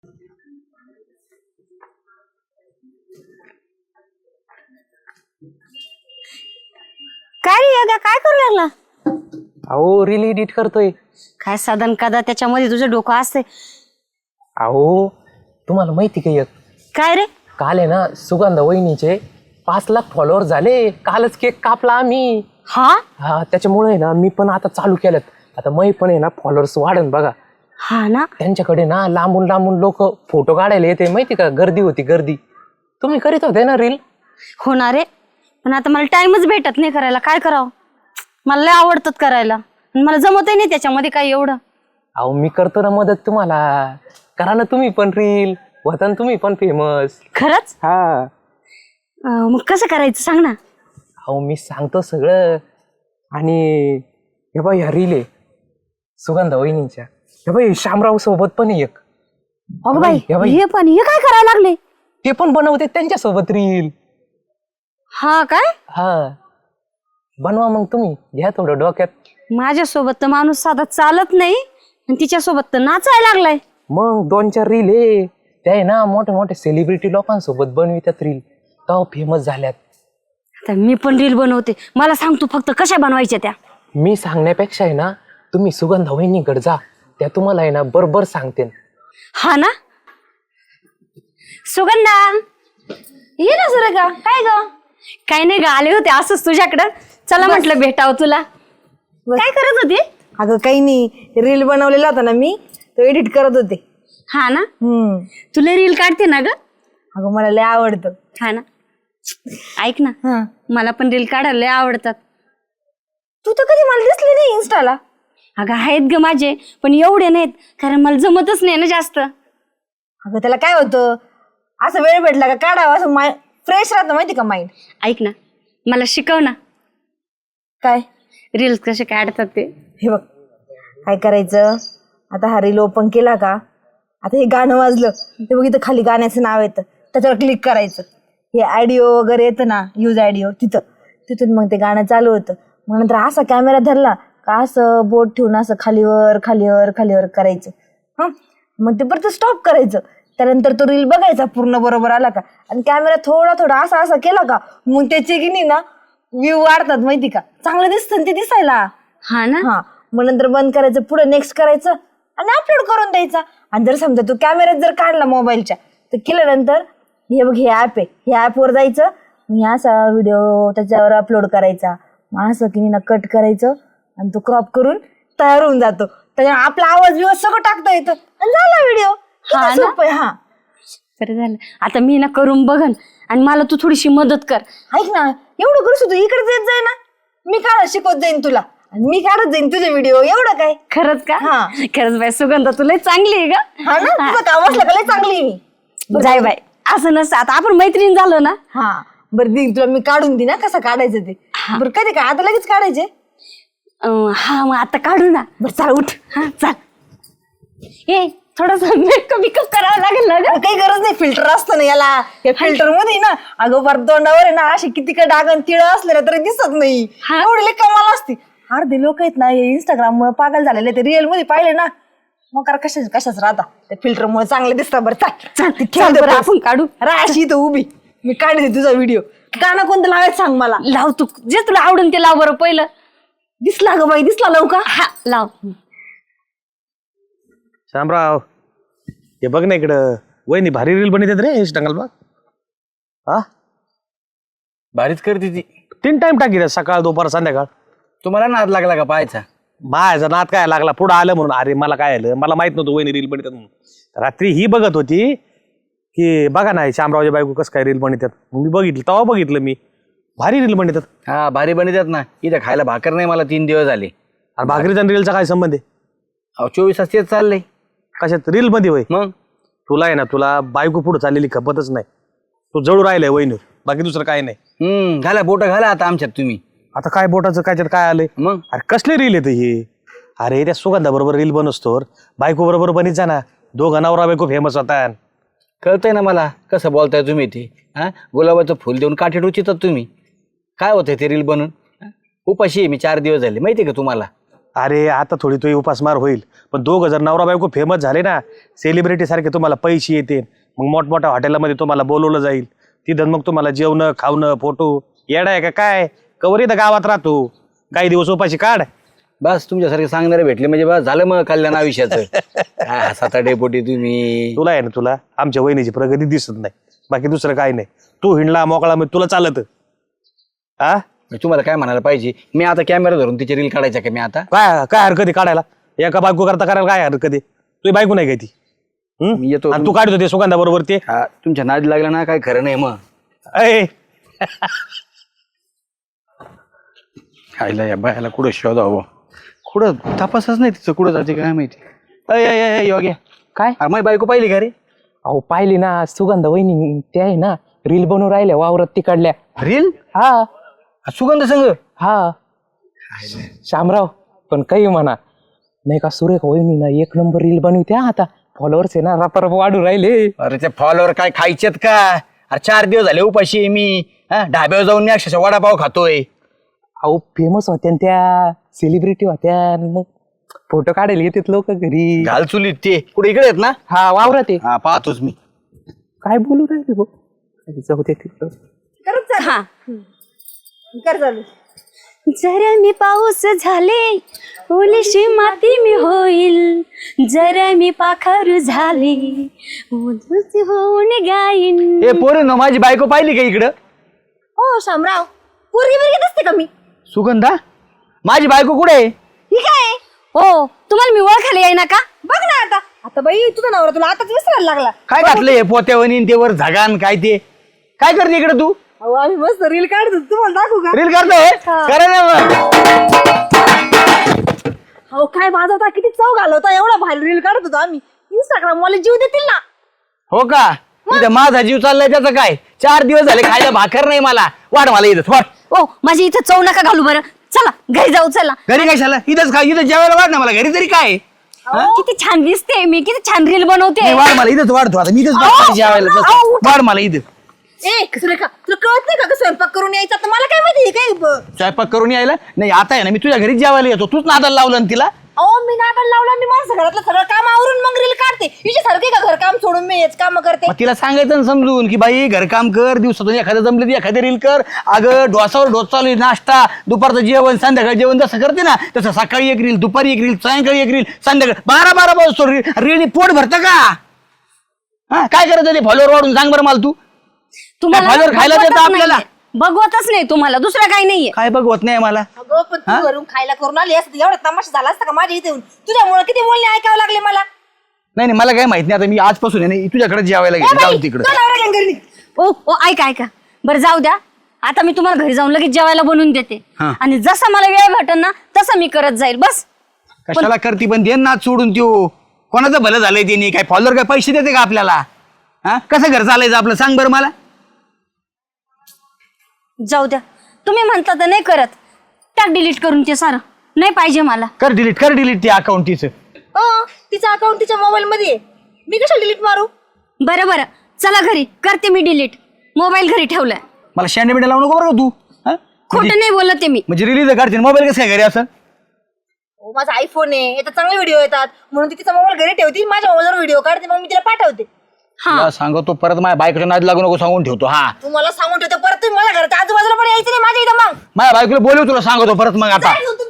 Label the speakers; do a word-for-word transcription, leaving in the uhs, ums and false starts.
Speaker 1: काय रे योगा, काय करू लागला?
Speaker 2: अहो रील एडिट करतोय.
Speaker 1: काय साधन कदा त्याच्यामध्ये तुझं डोकं असते.
Speaker 2: अहो तुम्हाला माहिती का एक
Speaker 1: काय रे?
Speaker 2: काल आहे ना सुगंधा वहिनीचे पाच लाख फॉलोअर झाले. कालच केक कापला आम्ही.
Speaker 1: हा
Speaker 2: हा त्याच्यामुळे आहे ना मी पण आता चालू केलं. आता मै पण आहे ना फॉलोअर्स वाढन बघा.
Speaker 1: हा ना,
Speaker 2: त्यांच्याकडे ना लांबून लांबून लोक फोटो काढायला येते माहिती का. गर्दी होती गर्दी. तुम्ही करीत होते ना रील?
Speaker 1: होणार रे, पण आता मला टाइमच भेटत नाही करायला. काय करावं? मला लय आवडतात करायला, मला जमतही नाही त्याच्यामध्ये काय एवढं.
Speaker 2: अहो मी करतो ना मदत तुम्हाला. करा ना तुम्ही पण रील, होता ना तुम्ही पण फेमस.
Speaker 1: खरंच?
Speaker 2: हा
Speaker 1: अं, मग कसं करायचं सांग ना.
Speaker 2: अहो मी सांगतो सगळं. आणि हे बाई ह्या रील आहे सुगंधा वहिनीच्या. हे बाई शामराव सोबत पण आहे एक.
Speaker 1: अगं बाई,
Speaker 2: हे बाई.
Speaker 1: हे पण हे काय करायला लागले?
Speaker 2: ते पण बनवते त्यांच्या सोबत रील.
Speaker 1: हा काय?
Speaker 2: हा बनवा मग तुम्ही. घ्या थोडं डोक्यात.
Speaker 1: माझ्यासोबत तर माणूस साधा चालत नाही आणि तिच्यासोबत तर नाचायला लागलाय.
Speaker 2: मग दोन चार रील आहे त्या आहे ना मोठ्या मोठ्या सेलिब्रिटी लोकांसोबत बनवितात रील. तेव्हा फेमस झाल्यात.
Speaker 1: आता मी पण रील बनवते. मला सांग तू फक्त कशा बनवायच्या त्या.
Speaker 2: मी सांगण्यापेक्षा आहे ना तुम्ही सुगंधा वहिनीकडे जा. त्या तुम्हाला आहे ना बरोबर सांगते.
Speaker 1: हा ना. सुगंधा ये ना सुरेखा. काय ग? काय नाही ग, आले होते असंच तुझ्याकडं. चला म्हटलं भेटावं तुला. काय करत होती?
Speaker 3: अगं काही नाही, रील बनवलेला होता ना मी, तो एडिट करत होते.
Speaker 1: हा ना.
Speaker 3: हम्म
Speaker 1: तुला रील काढते ना ग?
Speaker 3: अगं मला लय आवडतं.
Speaker 1: हा ना. ऐक ना,
Speaker 3: हा
Speaker 1: मला पण रील काढायला लय आवडतात.
Speaker 3: तू तर कधी मला दिसली नाही इन्स्टाला.
Speaker 1: अगं आहेत ग माझे, पण एवढे नाहीत कारण मला जमतच नाही ना जास्त.
Speaker 3: अगं त्याला काय होतं, असं वेळ भेटला का काढावं, असं माय फ्रेश राहतं माहिती का माइंड.
Speaker 1: ऐक ना, मला शिकव ना
Speaker 3: काय
Speaker 1: रील्स कसे काढतात ते.
Speaker 3: हे बघ काय करायचं, आता हा रील ओपन केला का, आता हे गाणं वाजलं ते बघ, इथं खाली गाण्याचं नाव येतं, त्याच्यावर क्लिक करायचं. हे ऑडिओ वगैरे येतं ना, यूज ऑडिओ, तिथं तिथून मग ते गाणं चालू होतं. मग नंतर असा कॅमेरा धरला का असं बोट ठेवून असं खालीवर खालीवर खालीवर करायचं. हा मग ते परत स्टॉप करायचं. त्यानंतर तो रील बघायचा पूर्ण बरोबर आला का, आणि कॅमेरा थोडा थोडा असा असा केला का, मग त्याचे की नाही ना व्ह्यू वाढतात माहिती का, चांगलं दिसतं ते दिसायला.
Speaker 1: हा ना.
Speaker 3: हा मग नंतर बंद करायचं, पुढे नेक्स्ट करायचं आणि अपलोड करून द्यायचा. आणि जर समजा तू कॅमेऱ्यात जर काढला मोबाईलच्या, तर केल्यानंतर हे बघ हे ऍप आहे, हे ऍपवर जायचं, मग असा व्हिडिओ त्याच्यावर अपलोड करायचा. मग असं की ना कट करायचं आणि तो क्रॉप करून तयार होऊन जातो. त्याच्यावर आपला आवाज बिवाज सगळं टाकता येतं आणि झाला व्हिडिओ.
Speaker 1: हा ना?
Speaker 3: सोपं आहे. हा
Speaker 1: बरं झालं, आता मी ना करून बघन आणि मला तू थोडीशी मदत कर.
Speaker 3: ऐक ना, एवढं करू तू इकडे येत जाय ना, मी काढत शिकवत जाईन तुला आणि मी काढत जाईन तुझे व्हिडिओ. एवढं काय.
Speaker 1: खरंच का?
Speaker 3: हा.
Speaker 1: खरंच बाय सुगंधा, तुला चांगली आहे का?
Speaker 3: हा ना, तुझं काम असलं का लय चांगली आहे मी.
Speaker 1: जाय बाय, असं नसतं. आता आपण मैत्रीण झालो ना.
Speaker 3: हा बरं दे, तुला मी काढून दे ना कसं काढायचं ते. बरं कधी काय आता लगेच काढायचे?
Speaker 1: अं, हा मग आता काढू ना.
Speaker 3: बरं चाल उठ.
Speaker 1: हा चाल. ए थोडस मेकअप बिकअप करावं लागेल ना ग.
Speaker 3: काही गरज नाही, फिल्टर असतं ना याला. या फिल्टर मध्ये ना अगं फार तोंडावर आहे ना अशी किती का डाग आणि तिळ असले ना तरी दिसत नाही.
Speaker 1: हा?
Speaker 3: एवढी लय कमाल असते. अर्धे लोक आहेत ना हे इंस्टाग्राम मुळे पागल झालेले, ते रिअल मध्ये पाहिले ना मग करा कशाच कशाच राहता, त्या फिल्टर मुळे चांगले दिसतात. बरं चाल
Speaker 1: चाल चाल बरं आपण काढू.
Speaker 3: राशी इथं उभी, मी काढते तुझा व्हिडिओ. गाणं कोणतं लावायचं सांग मला.
Speaker 1: लाव तू जे तुला आवडेल ते लाव बरं पहिलं.
Speaker 3: दिसला ग बाई, दिसला लवकर.
Speaker 1: हा लाव.
Speaker 4: शामराव हे बघ ना इकडं, वहिनी भारी रील बनवतात रे इंस्टाग्राम बघ. हा
Speaker 5: भारीच करते ती.
Speaker 4: तीन टाइम टाकी सकाळ दुपार संध्याकाळ.
Speaker 5: तुम्हाला नाद लागला का पाहायचा?
Speaker 4: माझा नाद काय लागला, पुढं आलं म्हणून. अरे मला काय आलं, मला माहित नव्हतं वहिनी रील बनवतात म्हणून. रात्री ही बघत होती की बघा ना शामरावच्या बायको कसं काय रील बनवतात. मी बघितलं, तेव्हा बघितलं मी भारी रील बनवतात.
Speaker 5: हा भारी बनवतात ना. इथं खायला भाकर नाही मला तीन दिवस झाले.
Speaker 4: आणि भाकरीचा रीलचा काय संबंध आहे?
Speaker 5: अहो चोवीस तास तेच चाललंय.
Speaker 4: कशात रील मध्ये होय?
Speaker 5: मग
Speaker 4: तुला आहे ना, तुला बायको पुढे चाललेली खपतच नाही. तू जळू राहिलाय वहिनीवर, बाकी दुसरं काय नाही.
Speaker 5: हम्म घाला बोट घाला आता आमच्यात तुम्ही.
Speaker 4: आता काय बोटाचं काय काय आलंय?
Speaker 5: मग
Speaker 4: अरे कसले रील येतं हे? अरे त्या सुगंधा बरोबर रील बनवतो, बायको बरोबर बनीत जा ना, दोघं नवरा बायको फेमस होता.
Speaker 5: कळतंय ना मला कसं बोलताय तुम्ही ते. हा गुलाबाचं फुल देऊन काठी टोचितात तुम्ही. काय होतंय ते रील बनून? हा? उपाशी आहे मी चार दिवस झाले माहिती का तुम्हाला.
Speaker 4: अरे आता थोडी तुझी उपासमार होईल, पण दोघं जर नवरा बायको फेमस झाले ना, सेलिब्रिटी सारखे तुम्हाला पैसे येते, मग मोठमोठ्या हॉटेलमध्ये तुम्हाला बोलवलं जाईल, तिथं मग तुम्हाला जेवणं खावणं फोटो येडा आहे का काय? कवर इथं गावात राहतो, काही दिवस उपाशी काढ.
Speaker 5: बस तुमच्यासारखे सांगणारे भेटले म्हणजे बस झालं मग कल्याण आयुष्याचं. हा, सात डेपोटी तुम्ही.
Speaker 4: तुला आहे ना, तुला आमच्या वहिनीची प्रगती दिसत नाही, बाकी दुसरं काय नाही. तू हिंडला मोकळा मग तुला चालत हा?
Speaker 5: तुम्हाला काय म्हणायला पाहिजे, मी आता कॅमेरा धरून तिची रील काढायच्या का मी आता?
Speaker 4: काय काय हरकत आहे काढायला? एका बायको करता करायला काय हरकत आहे? तुझी बायको नाही काय ती? हम्म?
Speaker 5: मी येतो.
Speaker 4: आणि तू काढतो ते सुगंधा बरोबर ते
Speaker 5: हा, तुमच्या नादी लागला ना काय खरं नाही मग.
Speaker 4: अय
Speaker 5: खायला या बायाला कुठं शोधावं, कुठं तपासच नाही तिचं, कुठं जाते काय माहिती. अय अय अय योग्य
Speaker 2: काय?
Speaker 5: अरे माझी बायको पाहिली का रे?
Speaker 2: अहो पाहिली ना सुगंध वहिनी, ते आहे ना रील बनवून राहिल्या वावरात तिकडल्या.
Speaker 5: रील?
Speaker 2: हा
Speaker 5: सुगंध संघ?
Speaker 2: हा शामराव, पण काही म्हणा नाही का, सुरेख वहिनी ना एक नंबर रील बनवते हा. आता फॉलोअर्स आहे ना रपारप वाढू राहिले.
Speaker 5: अरे ते फॉलोवर काय खायचेत का? अरे चार दिवस झाले उपाशी आहे मी. हा, ढाब्यावर जाऊन मी अक्षरशः वडापाव खातोय.
Speaker 2: अहो फेमस होत्या न त्या, सेलिब्रिटी होत्या, मग फोटो काढायला येतात लोक घरी.
Speaker 5: घाल चुलीत ते कुठे इकडे आहेत ना?
Speaker 2: हा वावरात आहे.
Speaker 5: हा पाहतोच मी.
Speaker 2: काय बोलू राहिले भाऊ, जाऊ दे तिकडं.
Speaker 3: करत चालू.
Speaker 1: हा
Speaker 3: कर चालू.
Speaker 1: जरा मी पाऊस झाले, ओलीशी माती मी होईल, जरा मी पाखरू झाले, उधळती होऊन गाईन.
Speaker 5: ए पोरे न माझी बायको पाहिली का इकडं?
Speaker 3: हो शामराव, पोरगी बिरगी दिसते का मी?
Speaker 5: सुगंधा माझी बायको कुठे आहे?
Speaker 3: ही काय आहे?
Speaker 1: हो तुम्हाला मी ओळखायला येईना का?
Speaker 3: बघ ना आता. आता बाई तुझा नवरा तुला आताच विसरायला लागला.
Speaker 5: काय घातलंय पोत्यावनी ते वर झगान काय ते? काय करते इकडे तू?
Speaker 3: अहो आम्ही मस्त रील काढतो, तुम्हाला दाखवू का?
Speaker 5: रील करतोय? करा ना मग.
Speaker 3: अहो काय वाजवता, किती चव घालवता, एवढा भारी रील काढत होतो आम्ही. इंस्टाग्राम वाले जीव देतील ना.
Speaker 5: हो का? इथं माझा जीव चाललाय त्याचं काय? चार दिवस झाले खायला भाकर नाही मला. वाढ मला इथं वाढ.
Speaker 1: ओ माझी इथं चव नका घालू बरं, चला घरी जाऊ चला.
Speaker 5: घरी कशाला? इथंच खा, इथं जेवायला वाढ ना मला. घरी तरी काय?
Speaker 1: किती छान दिसते मी, किती छान रील बनवते.
Speaker 5: नाही, वाढ मला इथंच वाढतो आता. मी इथंच
Speaker 1: अहो,
Speaker 5: बसतो जेवायला. बस.
Speaker 1: अहो,
Speaker 5: वाढ मला इथं.
Speaker 3: ए सुरेखा, तुला कळत नाही का ग स्वयंपाक करून यायचा? तर मला काय माहिती काय ब-
Speaker 5: स्वयंपाक करून यायला नाही. आता आहे ना मी तुझ्या घरी जेवायला येतो. तूच नादाला लावलं ना तिला.
Speaker 3: अहो मी नाटक लावला, मी माणसं घरातलं सगळं काम आवरून मग रील काढते. हिच्या सारखे का घर काम सोडून मी हेच काम करते?
Speaker 5: मग तिला सांगायचं ना समजून की बाई घरकाम कर, दिवसातून एखादं जमलं तर एखादं रील कर. अगं डोसावर डोस चालू आहे, नाश्ता, दुपारचं जेवण, संध्याकाळी जेवण जसं करते ना तसं सकाळी एक रील, दुपारी एक रील, सायंकाळी एक रील, संध्याकाळी बारा बारा पाऊस रील. रील पोट भरतं का? हा काय करायचं ते फॉलोअर वाढून सांग बरं मला तू.
Speaker 1: तुम्हाला
Speaker 5: काय बाजार खायला
Speaker 1: बघवतच
Speaker 5: देतं आपल्याला?
Speaker 1: नाहीये. बघवतच नाही तुम्हाला, दुसरं काही नाहीये.
Speaker 5: काय बघवत नाही मला.
Speaker 3: अगं पण तू घरून खायला करून आली असते, एवढा तमाशा झाला असता का माझ्या इथे येऊन? तुझ्यामुळे किती बोलणे ऐकावं लागले मला.
Speaker 5: नाही नाही मला काय माहित नाही. आता मी आजपासून आहे ना तुझ्याकडे जेवायला
Speaker 3: ए
Speaker 5: गेलो.
Speaker 3: बाई,
Speaker 5: जाऊ तिकडे.
Speaker 3: तुला नवरा घेऊन घरी निघ.
Speaker 1: ओ ओ ऐका ऐका बरं जाऊ द्या. आता मी तुम्हाला घरी जाऊन लगेच जेवायला बनवून देते,
Speaker 5: हा.
Speaker 1: आणि जसा मला वेळ भेटेल ना तसं मी करत जाईल. बस
Speaker 5: कशाला करती पण दे ना सोडून त्यो. कोणाचं भलं झालंय त्यांनी? काय फॉलोअर काय पैसे देते का आपल्याला? हा कसं घर चालायचं आपलं सांग बरं मला.
Speaker 1: जाऊ द्या, तुम्ही म्हणता तर नाही करत. टाक डिलीट करून ते सारं, नाही पाहिजे मला.
Speaker 5: कर डिलीट कर डिलीट ते अकाउंट तिचं.
Speaker 3: अं, तिचं अकाउंट तिच्या मोबाईल मध्ये आहे. मी कशाला डिलीट मारू?
Speaker 1: बरं बरं चला घरी करते मी डिलीट. मोबाईल घरी ठेवलाय.
Speaker 5: मला शँडे बिंडे लावू नको बरं का तू. हा?
Speaker 1: खोटं नाही बोलत मी.
Speaker 5: म्हणजे रिलीज काढते मोबाईल कसं काय घरी असं?
Speaker 3: हो, माझा आयफोन आहे, याच्यात चांगले व्हिडिओ येतात म्हणून ती तिचा मोबाईल घरी ठेवते, माझ्या मोबाईलवर व्हिडिओ काढते, मग मी तिला पाठवते.
Speaker 1: हा
Speaker 5: तुला सांगतो परत माझ्या बायकोच्या नाद लागू नको सांगून ठेवतो. हा
Speaker 3: तुम्हाला सांगून ठेवते, परत तुम्ही माझ्या घरात आजूबाजूला पण यायचं नाही माझ्या इथं. मग
Speaker 5: माझ्या बायकोला बोलव तुला सांगतो परत मग आता.
Speaker 3: जायचं